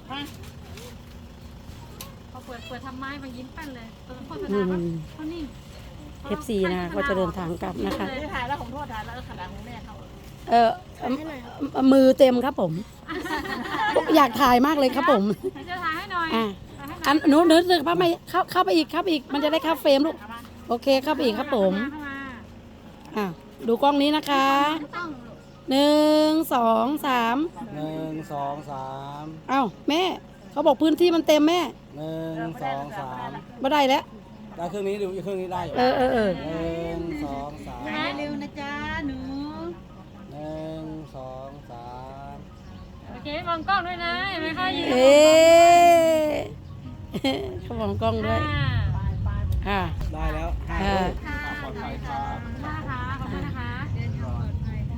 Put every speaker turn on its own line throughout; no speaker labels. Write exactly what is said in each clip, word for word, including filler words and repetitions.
พอเปิดเปิดทำไม้มายิ้มแป้นเลยตอนโฆษณาเขานิ่ง
เอฟซีนะก็จะเดินทางกลับนะคะ
ถ่ายแล้วของโทษถ่ายแล้วขนาดของแม่เขา
เออมือเต็มครับผม อยากถ่ายมากเลยครับผม
จะถ่ายให้หน่อย
อ่ะอันหนูหนูเข้าไปเข้าเข้าไปอีกเข้าไปอีกมันจะได้เข้าเฟรมลูกโอเคเข้าไปอีกครับผมอ่ะดูกล้องนี้นะคะหนึ่งสองสาม
หนึ่งสองสาม
เอ้าแม่เขาบอกพื้นที่มันเต็มแม่
หนึ่งสองสาม
ไม่ได้แล้ว
ได้เครื่องนี้ดูเครื่องนี้ได้อยู่
เออเออเออ
หนึ่งสองสาม
เร็วนะจ๊ะหนู
หนึ่งสองสาม
โอเคมองกล้องด้วยนะเห็นไหมคะยืน
เอ๊ะเขามองกล้องด้วยอ่า
ได้แล้วห้า
อ่า
ลูกปลอดภัยครับ
นะคะขอบคุณนะคะเดินทางปลอดภัยค่ะ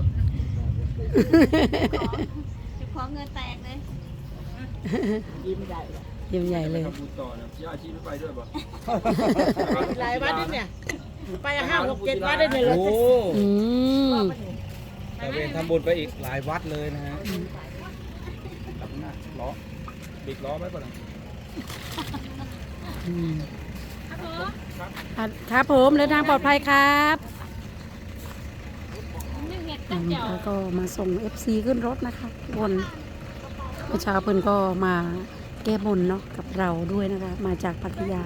จะขอเงินแตกเลย
ยิ้มใหญ่
ยิ้มใหญ่เลย
ทำบุญต่อนะย่าชีไม่ไปด้วยป่ะ
หลายวัดเนี่ยไปห้าหกเจ็ดวัดได้เลยรถ
โอ้
อืม
ตะเวนทำบุญไปอีกหลายวัดเลยนะฮะตับหน้าล้อบิดล้อไว้ก่อนนะ
อืมอ่ะครับผมเดินทางปลอดภัยครับ
นึ่งเห็ด
อื
ตั้ง
ม
เจียว
แล้วก็มาส่ง เอฟ ซี ขึ้นรถนะคะทุกคนเมื่อเช้าเพิ่นก็มาแก้บนเนาะกับเราด้วยนะคะ มาจากพัทยา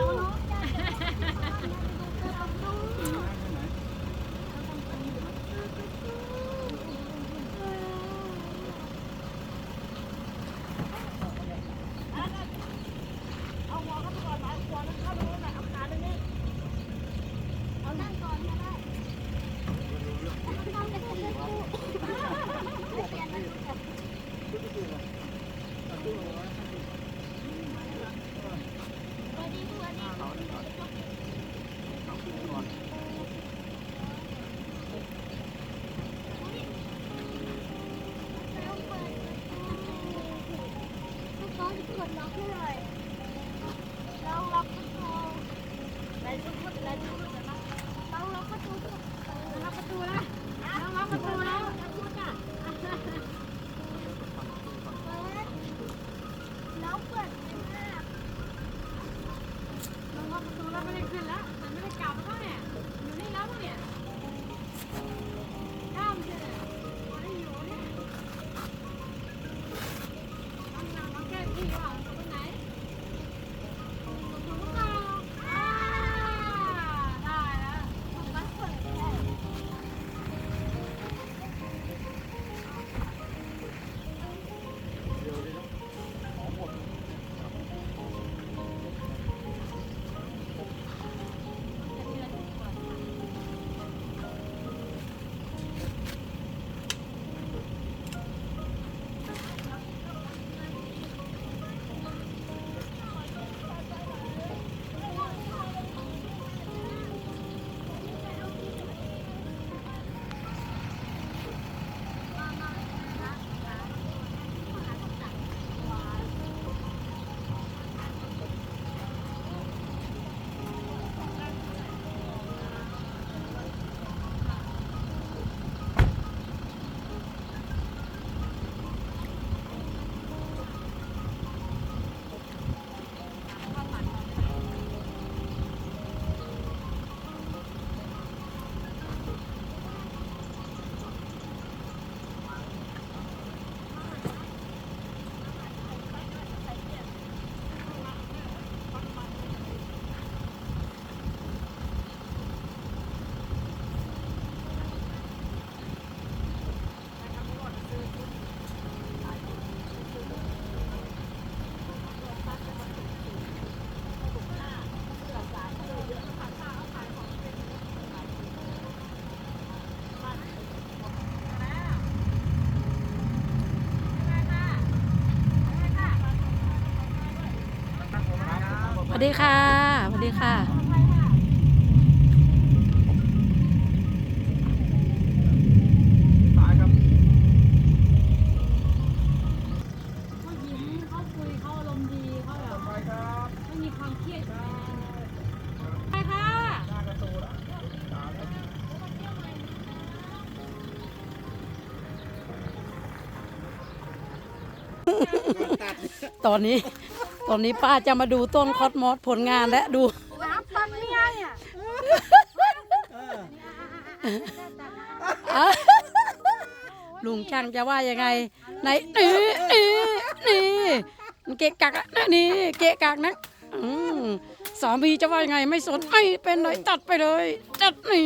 สวัสดีค่ะสวัสดีค่ะตอนนี้ ตอนนี้ป้าจะมาดูต้นคอสมอสผลงานและดู
น้ำตันนี่ไงอ่ะ
อ่ะลุงช่างจะว่ายังไงไหนนี่นี่นี่มันเกะกักอะนี่เกะกักนะอืมสามีจะว่ายังไงไม่สนไม่เป็นไรตัดไปเลยตัดนี่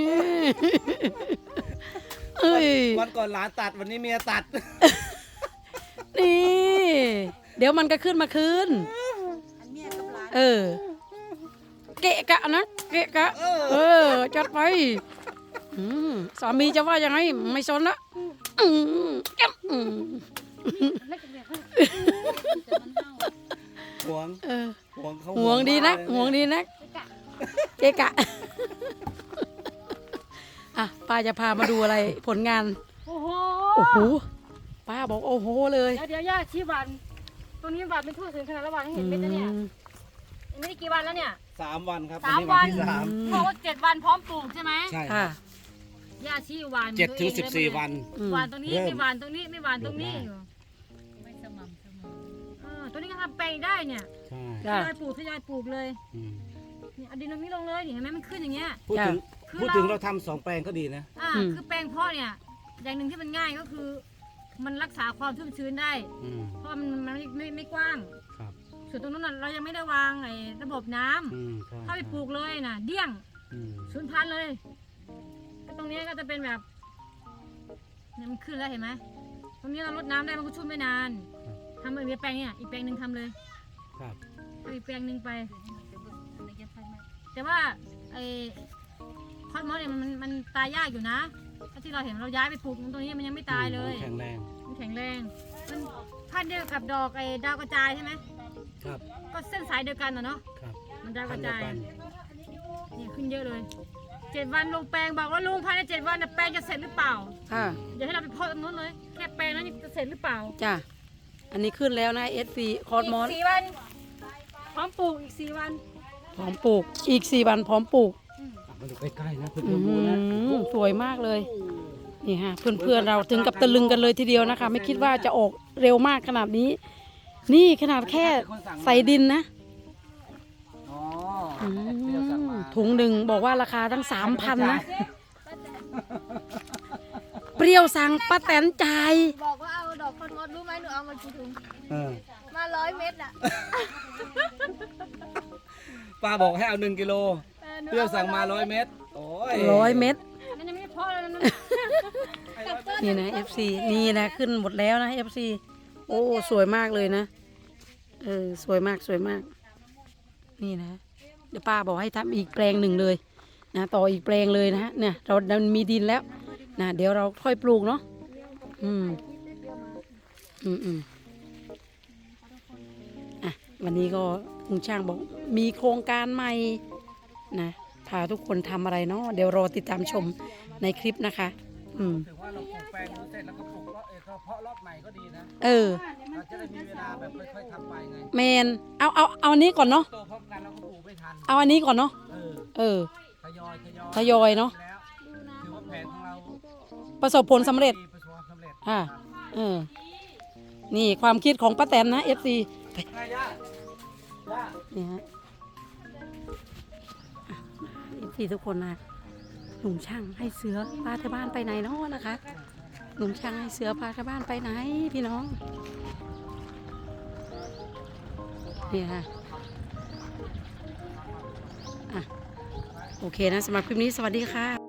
เอ้ย
วันก่อนหลานตัดวันนี้เมียตัด
นี่ เดี๋ยวมันก็ขึ้นมาคืนเออเกะกะนะเกะกะเออจัดไปอืมสามีจะว่ายังไงไม่สนละอืมแก้มอืม
ห่วง
เออ
ห่วงเขา
ห่วงดีนัก
มากเลย
ห่วงดีนักเกะกะอ่ะป้าจะพามาดูอะไรผลงาน
โอ้โห
โอ้โหป้าบอกโอ้โหเลย
เดี๋ยวเดี๋ยวย่าชี้วันตรงนี้วันไม่ทั่วถึงขนาดละวันให้เห็นเม็ดนะเนี่ยไม่ได้กี่วันแล้วเนี่ย
สามวันครับ
สาม
วัที่
วัน
สาม
บอกว่าเจ็ดวันพร้อมปลูกใช่ไหม
ใช่
ค่ะ
ย่าชี้วัน
เจ็ดถึงสิบสี่วัน
อืม
หวานตรงนี้
เริ่ม
ไม่หวานตรงนี้ไม่หวานตรงนี้อยู่ไม่สม่ำเสมอเออตัวนี้ก็ทำแปลงได้เนี่ย
ใช่
ท
จ้ะ
ยอยปลูกทยอยปลูกเลย
อืม
นี่เอาดินตรงนี้ลงเลยนี่เห็นไหมมันขึ้นอย่างเงี้ย
พูดถึง
คือ
พูด
เรา
ถึงเราทำสองแปลงก็ดีนะ
อ่า
อืม
คือแปลงเพาะเนี่ยอย่างหนึ่งที่มันง่ายก็คือ มันรักษาความชุ่มชื้นได้
อืม
เพราะมันมันไม่ไม่ไม่กว้าง
ครับ
ส่วนตรงนั้นน่ะเรายังไม่ได้วางไอ้ระบบน้ำ
อืมใช่
ถ้าไปปลูกเลยน่ะเดี้ยง
อืม
สูญพันธุ์เลยก็ตรงนี้ก็จะเป็นแบบเนี่ยมันขึ้นแล้วเห็นไหมตรงนี้เราลดน้ำได้มันก็ชุ่มไม่นานทำอีกแปลงเนี่ยอีกแปลงหนึ่งทำเลย
ครับ
เอาอีกแปลงหนึ่งไป แต่ว่าไอ้คอสมอสเนี่ยมันมันมันตายยากอยู่นะถ้าที่เราเห็นเราย้ายไปปลูกตรงนี้มันยังไม่ตายเลย
แข็งแรง
มันแข็งแรง มันพันธุ์เดียวกับดอกไอ้ดาวกระจายใช่ไหม
ครับ
ก็เส้นสายเดียวกันนะเนาะ
ครับ
มันดาวก
พั
ระ
นเดียว
จาย
กัน
เนี่ยขึ้นเยอะเลยเจ็ดวันลงแปลงบอกว่าลุงภายในเจ็ดวันน่ะแปลงจะเสร็จหรือเปล่า
ค่ะ
เดี๋ยวให้เราไปเพาะตรงนู้นเลยแค่แปลงนั้นจะเสร็จหรือเปล่า
จ้ะอันนี้ขึ้นแล้วนะเอสฟีคอสมอส
อีกสี่วันพร้อมปลูกอีกสี่วัน
พร้อมปลูกอีกสี่วันพร้อมปลูก
อ่ะมาดูใกล้ๆนะเพื่
อื
อนๆดูนะ
มสวยมากเลยนี่ฮะเพื่อนๆเราถึงกับตะลึงกันเลยทีเดียวนะคะ ไม่คิดว่าจะออกเร็วมากขนาดนี้ นี่ขนาดแค่ใส่ดินนะ
อ๋อ
อื
เปรี้ยวสั่ง
ม
มา
ถุงหนึ่งบอกว่าราคาตั้งสามพันนะ เปรี้ยวสั่งป้าแตนจ่าย
บอกว่าเอาดอกคอนมดรู้ไหมหนูเอามากี่ถุง
เออ
มาร้อยเม็ดอ่ะ
ป้าบอกให้เอาหนึ่งกิโล
ออหนู
เปรี้ยวสั่งมาร้อยเม็ดโอ้ย
ร้อยเม็ด
อันนั้นยังไม่ได้เพาะเลยนะ
นี่นะ เอฟ ซี นี่นะขึ้นหมดแล้วนะ เอฟ ซี โอ้สวยมากเลยนะ เออสวยมากสวยมาก นี่นะ เดี๋ยวป้าบอกให้ทำอีกแปลงหนึ่งเลยนะต่ออีกแปลงเลยนะฮะเนี่ยเราเรามีดินแล้วนะเดี๋ยวเราค่อยปลูกเนาะอืมอืมอืมอ่ะวันนี้ก็ลุงช่างบอกมีโครงการใหม่นะพาทุกคนทำอะไรเนาะเดี๋ยวรอติดตามชมในคลิปนะคะ อืม
ถือว่าเราปลูกแปลงนู้นเสร็จแล้วก็ปลูกก็เออเพาะรอบใหม่ก็ดีนะ
เออ
เราจะได้มีเวลาแบบค่อยๆทำไปไง
แมนเอาเอาเอาอันนี้ก่อนเนาะ
โตพร้อมกันเราก็ปลูกไม่ทัน
เอาอันนี้ก่อนเนาะ
เออ
เออ
ทยอยทยอย
ทยอยเนาะ
แล้วถือว่าแผนของเรา
ประสบผลสำเร็จ
ประสบความสำเร็จ
ค่ะเออนี่ความคิดของป้าแตนนะ เอฟ ซี
ไงย่าย่า
นี่ฮะเอฟซีทุกคนนะหนุ่มช่างให้เสือพาที่บ้านไปไหนเนาะนะคะหนุ่มช่างให้เสือพาที่บ้านไปไหนพี่น้องนี่ค่ะอ่ะโอเคนะสำหรับคลิปนี้สวัสดีค่ะ